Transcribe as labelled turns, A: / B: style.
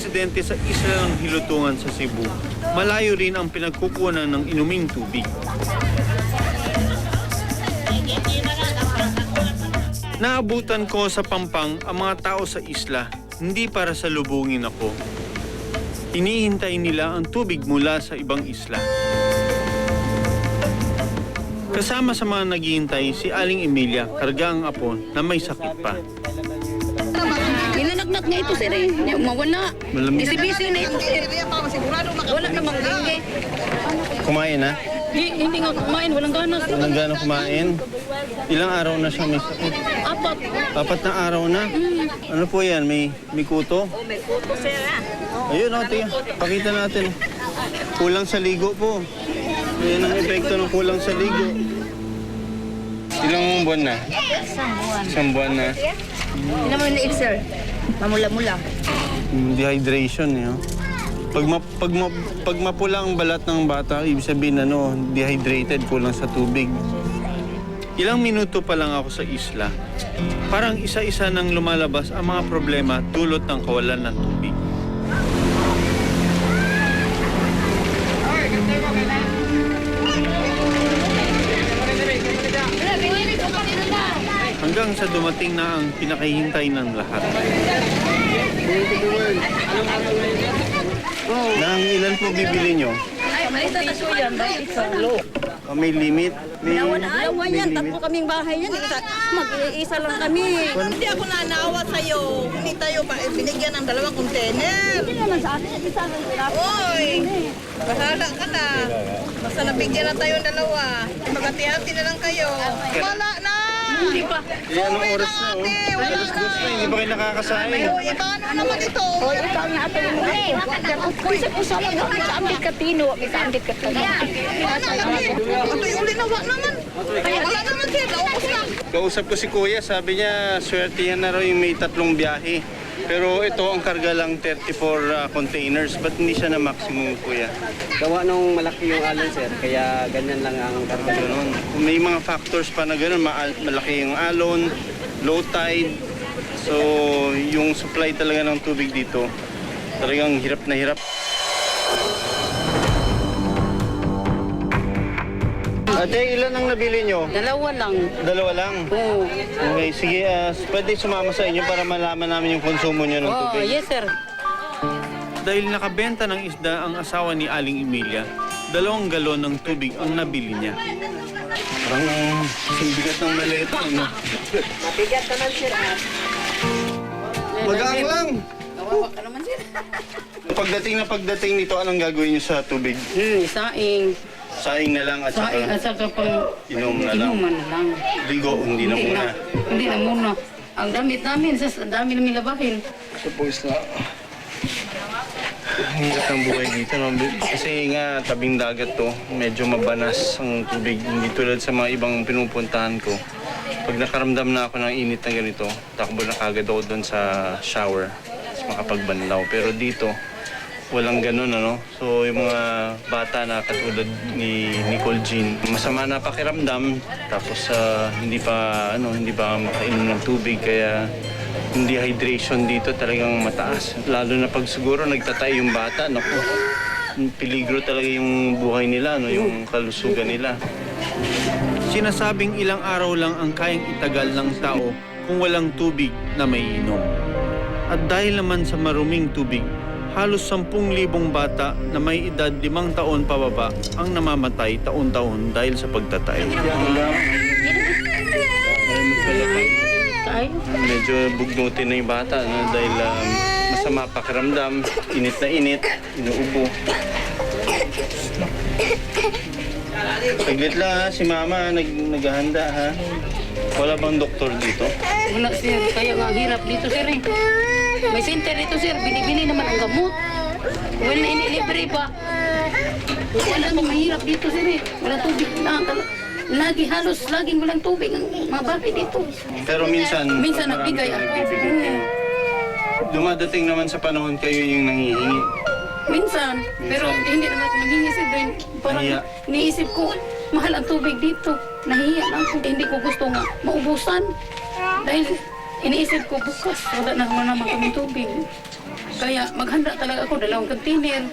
A: residente sa isla ng Hilutungan sa Cebu, malayo rin ang pinagkukunan ng inuming tubig. Naabutan ko sa Pampang ang mga tao sa isla, hindi para salubungin ako. Hinihintay nila ang tubig mula sa ibang isla. Kasama sa mga naghihintay si Aling Emilia, karga ang apo na may sakit pa.
B: Nilalagnak nga ito, sir. Mawala. Bisi-bisi na ito, sir. Wala namang lingge.
A: Kumain na?
B: Hindi nga kumain, walang ganas.
A: Walang gano'ng kumain? Ilang araw na siya may sakit?
B: 4.
A: 4 na araw na? Ano po yan? May kuto?
B: Oh, may kuto, sir, ha?
A: Ayun, ate. Pakita natin. Kulang sa ligo po. Ayan ang epekto ng kulang sa ligo. Ilang buwan na? Isang buwan na.
B: Hindi naman na sir. Mamula-mula.
A: Dehydration, eh. Oh. Pag mapula ang balat ng bata, ibig sabihin dehydrated, kulang sa tubig. Ilang minuto pa lang ako sa isla. Parang isa-isa nang lumalabas ang mga problema dulot ng kawalan ng tubig. Hanggang sa dumating na ang pinakahihintay ng lahat. Nang ilan po bibili nyo?
B: Ay, malita na siya yan. Dahil sa low.
A: May limit?
B: Lawan yan. Tatlo kaming bahay yan. Mag-iisa lang kami.
C: Hindi ako nanaawa sa'yo. Hindi tayo binigyan ng 2 container.
B: Hindi naman sa atin. Isa lang sila.
C: Oy! Bahala ka na. Basta nabigyan na tayo 2. Magati-hati na lang kayo. Wala na!
B: Hindi pa.
A: Anong oras na? Oh? Alas 2 na, hindi ba kayo nakakasahin?
C: Oy, paano naman ito?
B: Hoy, ikaw nga ito yung kung sa lang kami sa ambit katino, may sa ambit katino.
C: Wala naman. Ito'y uli na wala naman. Wala naman siya. Naubos na.
A: Kausap ko si Kuya, sabi niya swerte yan na raw yung may 3 biyahe. Pero ito ang karga lang 34 containers. Ba't hindi siya na maximum, Kuya?
D: Gawa nung malaki yung alon, sir, kaya ganyan lang ang karga.
A: Ganun. May mga factors pa na ganun. Malaki yung alon, low tide. So, yung supply talaga ng tubig dito, talagang hirap na hirap. Ate, ilan ang nabili nyo?
B: 2 lang.
A: 2 lang?
B: Oo.
A: Okay, sige. Pwede sumama sa inyo para malaman namin yung konsumo nyo ng
B: Oh,
A: tubig.
B: yes, sir.
A: Dahil nakabenta ng isda ang asawa ni Aling Emilia, 2 galon ng tubig ang nabili niya. Parang bigat ng maleta, no?
B: Mabigat ka man, sir.
A: Magaan lang!
B: Kawawa ka naman, sir.
A: Pagdating nito, anong gagawin niyo sa tubig?
B: Saing.
A: Saing na lang at
B: Saing at
A: saka
B: saka pang
A: inom na lang.
B: inuman na lang.
A: Ligo, hindi na muna.
B: Hindi na muna. Ang damit namin, ang dami namin labahin.
A: Suppose na. Hirap ang buhay dito, no? Kasi nga tabing dagat to, medyo mabanas ang tubig. Hindi tulad sa mga ibang pinupuntahan ko. Pag nakaramdam na ako ng init na ganito, takbo na kagad ako doon sa shower, tapos makapagbanlaw. Pero dito, walang ganun, ano? So, yung mga bata na katulad ni Nicole Jean, masama na pakiramdam, tapos hindi pa makainom ng tubig, kaya yung dehydration dito talagang mataas. Lalo na pag siguro nagtatay yung bata, naku, peligro talaga yung buhay nila, no? Yung kalusugan nila. Sinasabing ilang araw lang ang kayang itagal ng tao kung walang tubig na may inom. At dahil naman sa maruming tubig, halos 10,000 bata na may edad 5 taon pababa ang namamatay taon-taon dahil sa pagtatay. Medyo bugnutin na yung bata, no? Dahil masama pakiramdam, init na init, inuubo. Saglit lang, ha, si Mama naghahanda, ha. Wala bang doktor dito?
B: Wala, sir. Kaya nga hirap dito, sir, eh. May center dito, sir. Binibili naman ang gamot. Wala, inilibre pa. Wala nang mahirap dito, sir, eh. Wala tubig na. Halos laging walang tubig ang mga bahay dito.
A: Pero minsan
B: nagbigay ako.
A: Dumadating naman sa panahon kayo yung nangihingi.
B: Minsan. Pero hindi naman ako naghingi, sir. Parang
A: Nahiya.
B: niisip ko, mahal ang tubig dito. Nahiya lang ako. Hindi ko gusto nga maubusan. Dahil iniisip ko bukas, wala na naman kaming tubig. Kaya maghanda talaga ako, dalawang container.